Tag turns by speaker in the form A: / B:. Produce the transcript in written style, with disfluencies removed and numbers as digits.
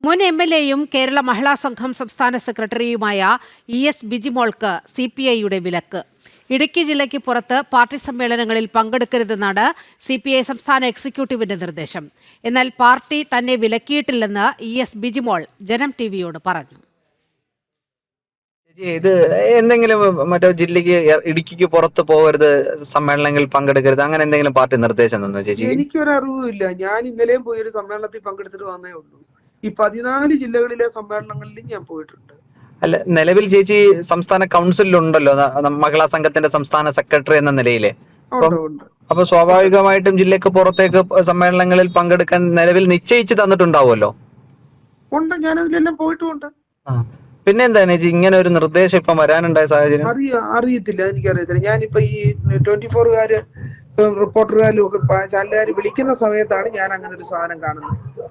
A: മുൻ എം.എൽ.എയും കേരള മഹിളാ സംഘം സംസ്ഥാന സെക്രട്ടറിയുമായ ഇ.എസ്. ബിജിമോൾക്ക് CPIയുടെ വിലക്ക്. ഇടുക്കി ജില്ലയ്ക്ക് പുറത്ത് പാർട്ടി സമ്മേളനങ്ങളിൽ പങ്കെടുക്കരുതെന്നാണ് CPI സംസ്ഥാന എക്സിക്യൂട്ടീവിന്റെ നിർദ്ദേശം. എന്നാൽ പാർട്ടി തന്നെ വിലക്കിയിട്ടില്ലെന്ന് ഇ.എസ്. ബിജിമോൾ ജനം ടിവിയോട് പറഞ്ഞു.
B: ഇത് എന്തെങ്കിലും മറ്റോ ജില്ലക്ക് ഇടുക്കിക്ക് പുറത്ത് പോകരുത്, സമ്മേളനങ്ങളിൽ പങ്കെടുക്കരുത്, അങ്ങനെ എന്തെങ്കിലും പാർട്ടി നിർദ്ദേശം തന്നോ ചേച്ചി?
C: എനിക്കൊരു അറിവുമില്ല. ഞാൻ ഇന്നലെയും പോയി ഒരു സമ്മേളനത്തിൽ പങ്കെടുത്തിട്ട് വന്നേ ഉള്ളൂ. ഈ 14 ജില്ലകളിലെ സമ്മേളനങ്ങളിലും ഞാൻ പോയിട്ടുണ്ട്.
B: അല്ല, നിലവിൽ ചേച്ചി സംസ്ഥാന കൗൺസിലുണ്ടല്ലോ, മഹിളാ സംഘത്തിന്റെ സംസ്ഥാന സെക്രട്ടറി എന്ന നിലയിലെ. അപ്പൊ സ്വാഭാവികമായിട്ടും ജില്ലക്ക് പുറത്തേക്ക് സമ്മേളനങ്ങളിൽ പങ്കെടുക്കാൻ നിലവിൽ നിശ്ചയിച്ച് തന്നിട്ടുണ്ടാവുമല്ലോ.
C: ഉണ്ട്, ഞാനതിലെല്ലാം പോയിട്ടുമുണ്ട്.
B: പിന്നെ എന്താണ് ചേച്ചി ഇങ്ങനെ ഒരു നിർദ്ദേശം ഇപ്പം വരാനുണ്ടായ സാഹചര്യം?
C: അറിയത്തില്ല, എനിക്കറിയത്തില്ല. ഞാനിപ്പോ ഈ 24-കാര് റിപ്പോർട്ടർകാരും ഒക്കെ ചാനലുകാർ വിളിക്കുന്ന സമയത്താണ് ഞാൻ അങ്ങനെ ഒരു സാധനം കാണുന്നത്.